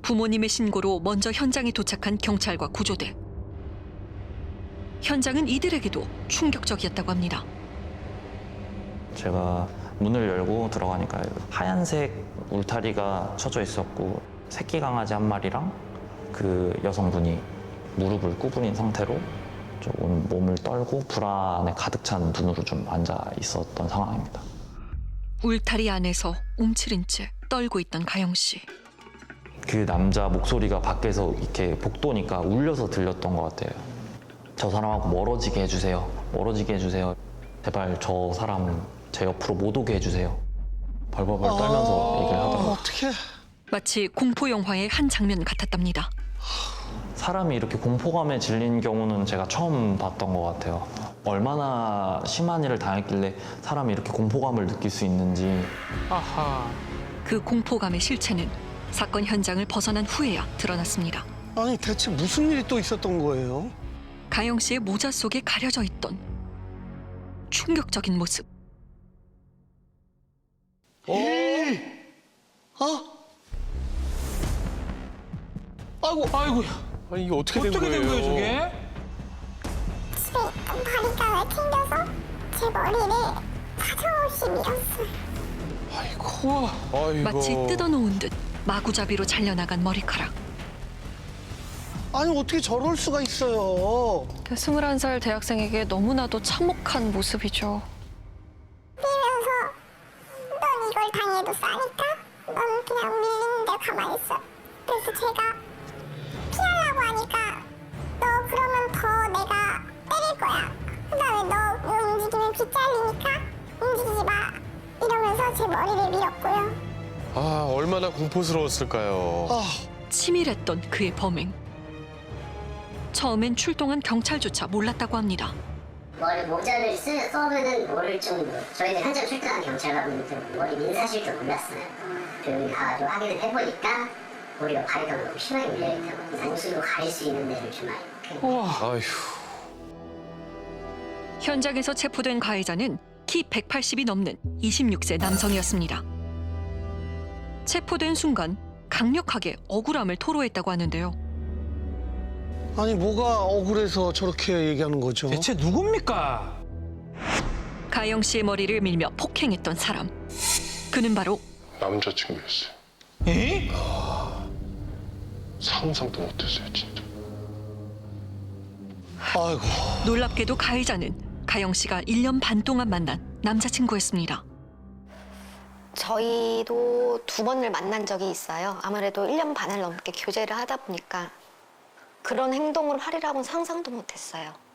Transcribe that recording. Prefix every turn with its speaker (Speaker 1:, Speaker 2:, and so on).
Speaker 1: 부모님의 신고로 먼저 현장에 도착한 경찰과 구조대. 현장은 이들에게도 충격적이었다고 합니다.
Speaker 2: 제가 문을 열고 들어가니까 하얀색 울타리가 쳐져 있었고 새끼 강아지 한 마리랑 그 여성분이 무릎을 구부린 상태로 조금 몸을 떨고 불안에 가득 찬 눈으로 좀 앉아 있었던 상황입니다.
Speaker 1: 울타리 안에서 움츠린 채 떨고 있던 가영 씨.
Speaker 2: 그 남자 목소리가 밖에서 이렇게 복도니까 울려서 들렸던 것 같아요. 저 사람하고 멀어지게 해주세요. 멀어지게 해주세요. 제발 저 사람 제 옆으로 못 오게 해주세요. 벌벌벌 떨면서 얘기를 하더라고요.
Speaker 3: 어떡해.
Speaker 1: 마치 공포 영화의 한 장면 같았답니다.
Speaker 2: 사람이 이렇게 공포감에 질린 경우는 제가 처음 봤던 것 같아요. 얼마나 심한 일을 당했길래 사람이 이렇게 공포감을 느낄 수 있는지.
Speaker 3: 아하.
Speaker 1: 그 공포감의 실체는 사건 현장을 벗어난 후에야 드러났습니다.
Speaker 3: 아니 대체 무슨 일이 또 있었던 거예요?
Speaker 1: 가영 씨의 모자 속에 가려져 있던 충격적인 모습.
Speaker 3: 아이고.
Speaker 4: 아이고야.
Speaker 3: 아니 이게 어떻게 된
Speaker 4: 어떻게 된 거예요, 저게?
Speaker 5: 집에 있던 바리깡을 튕겨서 제 머리를 사정없이 밀었어요.
Speaker 4: 우와.
Speaker 3: 아이고.
Speaker 1: 마치 뜯어놓은 듯 마구잡이로 잘려나간 머리카락.
Speaker 3: 아니 어떻게 저럴 수가 있어요?
Speaker 6: 21살 대학생에게 너무나도 참혹한 모습이죠.
Speaker 5: 뛰면서 넌 이걸 당해도 싸니까 넌 그냥 밀리는 데 가만히 있어. 그래서 제가 피하려고 하니까 너 그러면 더 내가 때릴 거야. 그다음에 너 움직이면 피 잘리니까 움직이지 마. 이러면서 제 머리를 밀었고요.
Speaker 7: 아, 얼마나 공포스러웠을까요.
Speaker 3: 아,
Speaker 1: 치밀했던 그의 범행. 처음엔 출동한 경찰조차 몰랐다고 합니다.
Speaker 8: 머리 모자를 써면은 모를 정도. 저희는 현장 출동한 경찰관분들 머리 민사실도 몰랐어요. 그리고 여기 가가지고 확인을 해보니까 머리가 바리가 너무 심하게 밀려있다고. 옷으로 가릴 수 있는 데를 좀 알고.
Speaker 7: 아휴.
Speaker 1: 현장에서 체포된 가해자는 키 180이 넘는 26세 남성이었습니다. 체포된 순간 강력하게 억울함을 토로했다고 하는데요.
Speaker 3: 아니 뭐가 억울해서 저렇게 얘기하는 거죠?
Speaker 4: 대체 누굽니까?
Speaker 1: 가영 씨의 머리를 밀며 폭행했던 사람. 그는 바로
Speaker 7: 남자친구였어요.
Speaker 4: 에?
Speaker 7: 상상도 못했어요, 진짜.
Speaker 3: 아이고.
Speaker 1: 놀랍게도 가해자는 가영 씨가 1년 반 동안 만난 남자친구였습니다.
Speaker 9: 저희도 2번을 만난 적이 있어요. 아무래도 1년 반을 넘게 교제를 하다 보니까 그런 행동을 하리라고는 상상도 못했어요.